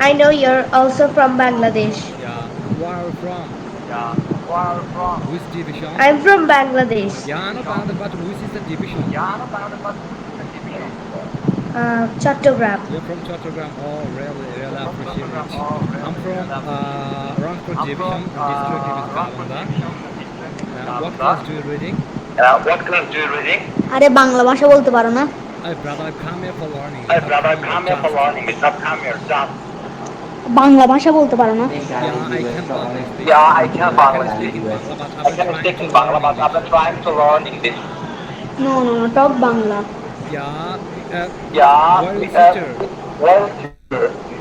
I know you're also from Bangladesh. Yeah. Where are you from? Yeah. Where are you from? Which division? I'm from Bangladesh. Yeah, I know Bangladesh, but which is the division? Yeah, no, but which is the division? Chattogram. You're from Chattogram. Oh, really, really From appreciate Chattogram. it. Oh, I'm really, from really appreciate it. Rangpur I'm from Division, and district name is Rangpur Galanda. Division, and district name is What Nalanda. class do you reading? What class do you reading? আরে বাংলা ভাষা বলতে পারো না? Hey, brother, I've come here for learning. Hey, It's not brother, come here, come here for just. learning. It's not come here, just. Bangla ভাষা বলতে পারো না? Yeah, I can Bangla speak. Yeah, I can I can Bangla speak speak. in Bangla, but I I'm can trying speak to in Bangla, learn but English. I'm trying to learn English. No, no, no, talk Bangla. Yeah, Yeah, where is sister? well, do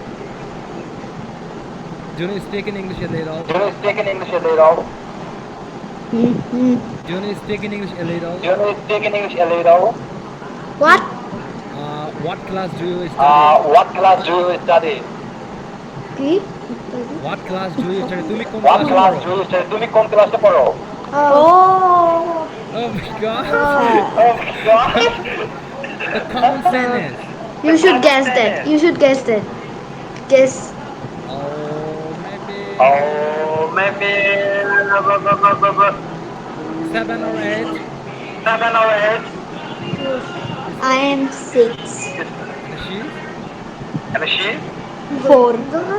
Do you speak in English a little? you speak in English a little? Hmm hmm. Do you speak in English a little? Do you speak in English a little? What? What class do you study? What class do you study? কি? What class do you study? তুমি কোন What ক্লাসে class পড়ো? do you study? তুমি কোন ক্লাসে পড়ো? Oh. Oh my god! Oh my God! The common sentence. You should guess that. You should guess that. Guess. Oh, maybe Oh, maybe 7 or 8. 7 or 8. I am 6. And she's And she? 4.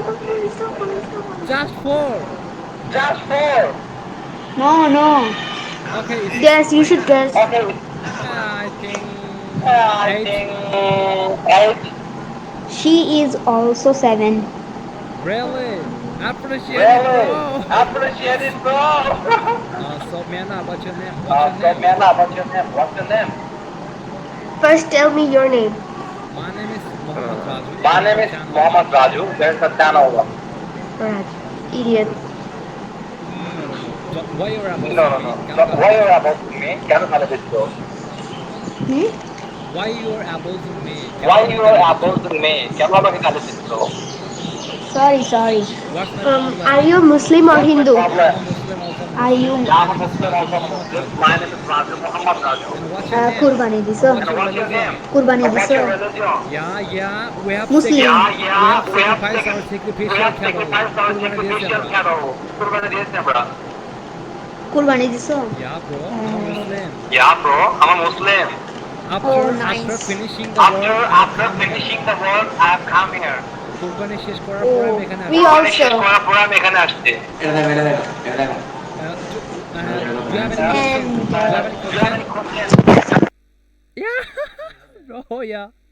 just 4. Just 4. No, no. Okay, is she? Guess. You should guess. Okay, I think I 8. think 8. She is also 7. Really? Appreciate it, Really? bro. Appreciate it, bro. So, Miana, what's your name? What's your So, name? Mela, what's your name? What's your name? First, tell me your name. My name is Mohammad Raju. My There's name a is channel. Mohammad Raju. There's a channel. Right. Idiot. No, no, no. Why you're No, abusing no, me? no. কেন So, গালি why দিচ্ছ? you're about me? কেন গালি দিচ্ছ? Hmm? Why you're abusing me? কেন Why আমাকে you are গালি দিচ্ছ? opposing me? কেন আমাকে গালি দিচ্ছ? Sorry, sorry. What's my Are problem? you Muslim or What's my Hindu? Yeah, I'm problem? a Muslim, also Are Muslim. you Yeah, My I'm a name is Muslim, Raju, also a Muhammad Muslim. Raju. My name is Raju, Muhammad Raju. And what's your name? কুরবানি And দিছো? what's And your what's your name? religion? কুরবানি And what's দিছো? your religion? Yeah, yeah. We have Muslim. we have We have sacrificed our we sacrificial have cattle. sacrificed our কুরবানি দিয়েছি sacrificial আমরা। cattle. কুরবানি দিয়েছি আমরা। কুরবানি দিছো? Yeah, bro. I'm a Muslim. Yeah, bro. I'm a Muslim. Oh, After nice. finishing the work, I have After come here. finishing the work, I have come here. কুরবানি শেষ করার পরে Oh, আমি এখানে we আসছি। কুরবানি শেষ also. করার পর আমি এখানে আসছি। Do you have any question? And Do you have any Do you have question? any questions? Yeah, bro. Yeah.